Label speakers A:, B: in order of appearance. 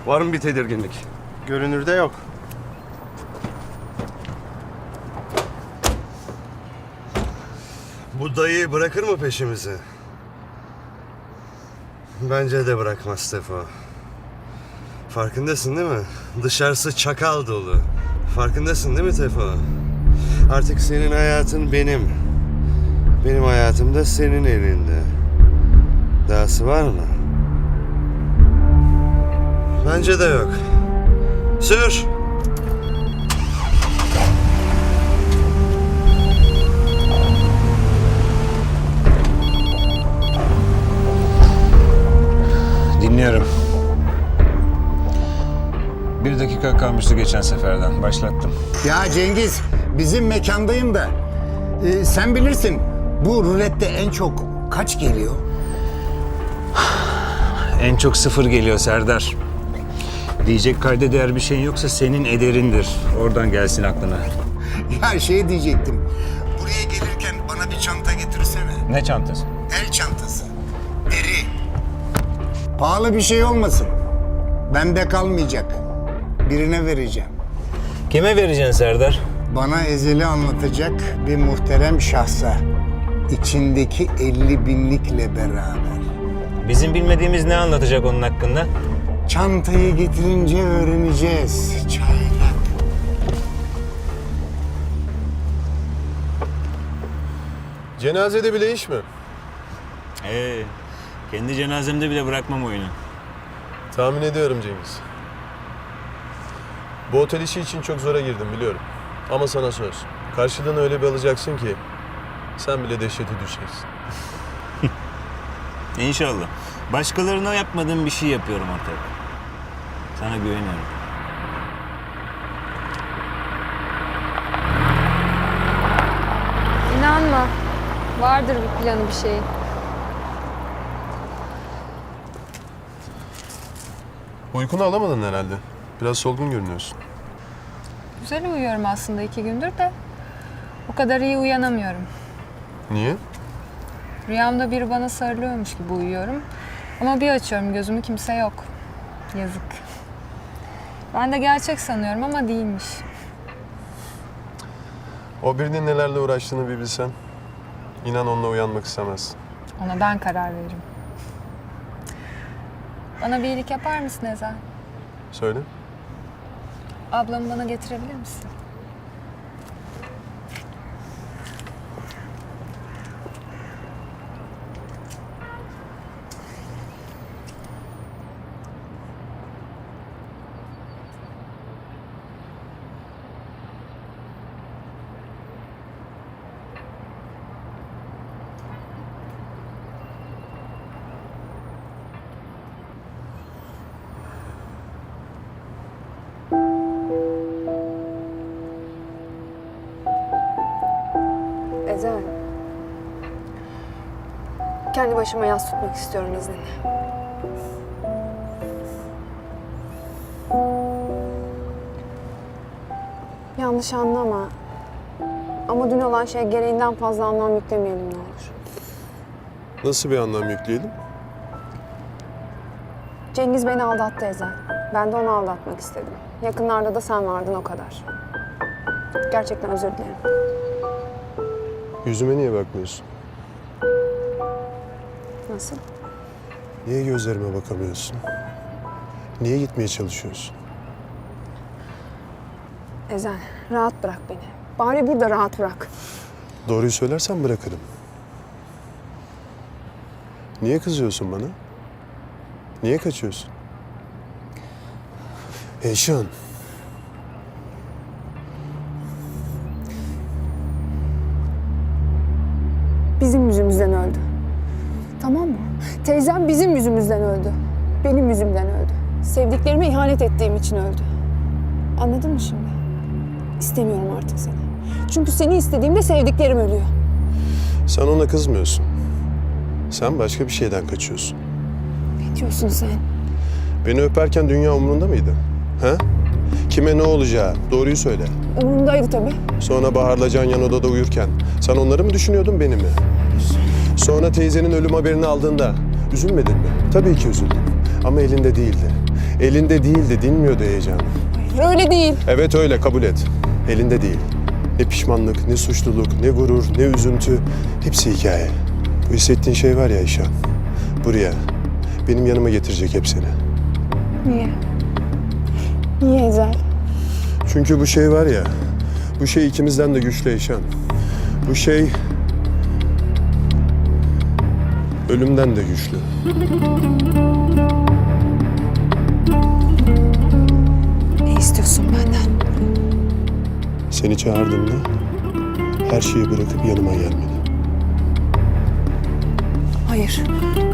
A: Var mı bir tedirginlik?
B: Görünürde yok.
A: Bu dayı bırakır mı peşimizi? Bence de bırakmaz Tefo. Farkındasın değil mi? Dışarısı çakal dolu. Farkındasın değil mi Tefo? Artık senin hayatın benim. Benim hayatım da senin elinde. Dahası var mı? Bence de yok. Sür!
C: Dinliyorum. 1 dakika kalmıştı geçen seferden. Başlattım.
D: Ya Cengiz, bizim mekandayım da. Sen bilirsin, bu rulette en çok kaç geliyor?
C: En çok 0 geliyor Serdar. Diyecek kayda değer bir şeyin yoksa senin ederindir. Oradan gelsin aklına.
D: Ya şey diyecektim. Buraya gelirken bana bir çanta getirsene.
C: Ne çantası?
D: El çantası. Deri. Pahalı bir şey olmasın. Bende kalmayacak. Birine vereceğim.
C: Kime vereceksin Serdar?
D: Bana ezeli anlatacak bir muhterem şahsa. İçindeki 50 binlikle beraber.
C: Bizim bilmediğimiz ne anlatacak onun hakkında?
D: Çantayı getirince öğreneceğiz. Çaylak.
B: Cenazede bile iş mi?
C: Kendi cenazemde bile bırakmam oyunu.
B: Tahmin ediyorum Cengiz. Bu otel işi için çok zora girdim biliyorum. Ama sana söz. Karşılığını öyle bir alacaksın ki sen bile dehşete düşeceksin.
C: İnşallah. Başkalarına yapmadığım bir şey yapıyorum artık. Sana güveniyorum.
E: İnanma. Vardır bir planı, bir şey.
B: Uykunu alamadın herhalde. Biraz solgun görünüyorsun.
E: Güzel uyuyorum aslında 2 gündür de. O kadar iyi uyanamıyorum.
B: Niye?
E: Rüyamda biri bana sarılıyormuş gibi uyuyorum. Ama bir açıyorum gözümü, kimse yok. Yazık. Ben de gerçek sanıyorum ama değilmiş.
B: O birinin nelerle uğraştığını bir bilsen. İnan onunla uyanmak istemezsin.
E: Ona ben karar veririm. Bana bir iyilik yapar mısın Ezel?
B: Söyle.
E: Ablamı bana getirebilir misin?
F: Ezel. Kendi başıma yas tutmak istiyorum izninle. Yanlış anlama. Ama dün olan şeye gereğinden fazla anlam yüklemeyelim ne olur.
B: Nasıl bir anlam yükleyelim?
F: Cengiz beni aldattı Ezel. Ben de onu aldatmak istedim. Yakınlarda da sen vardın o kadar. Gerçekten özür dilerim.
B: Yüzüme niye bakmıyorsun?
F: Nasıl?
B: Niye gözlerime bakamıyorsun? Niye gitmeye çalışıyorsun?
F: Ezel, rahat bırak beni. Bari burada rahat bırak.
B: Doğruyu söylersen bırakırım. Niye kızıyorsun bana? Niye kaçıyorsun? Eyşan.
F: Bizim yüzümüzden öldü. Tamam mı? Teyzem bizim yüzümüzden öldü. Benim yüzümden öldü. Sevdiklerime ihanet ettiğim için öldü. Anladın mı şimdi? İstemiyorum artık seni. Çünkü seni istediğimde sevdiklerim ölüyor.
B: Sen ona kızmıyorsun. Sen başka bir şeyden kaçıyorsun.
F: Ne diyorsun sen?
B: Beni öperken dünya umurunda mıydı? Ha? Kime ne olacağı? Doğruyu söyle.
F: Umurumdaydı tabii.
B: Sonra Bahar'la Can yan odada uyurken sen onları mı düşünüyordun beni mi? Sonra teyzenin ölüm haberini aldığında üzülmedin mi? Tabii ki üzüldüm. Ama elinde değildi. Elinde değildi, dinmiyordu heyecanı.
F: Öyle değil.
B: Evet öyle, kabul et. Elinde değil. Ne pişmanlık, ne suçluluk, ne gurur, ne üzüntü. Hepsi hikaye. Bu hissettiğin şey var ya İşan. Buraya, benim yanıma getirecek hepsini.
F: Niye? Niye Ezel?
B: Çünkü bu şey var ya, bu şey ikimizden de güçlü İşan. Bu şey ölümden de güçlü.
F: Ne istiyorsun benden?
B: Seni çağırdığımda her şeyi bırakıp yanıma gelmeni.
F: Hayır.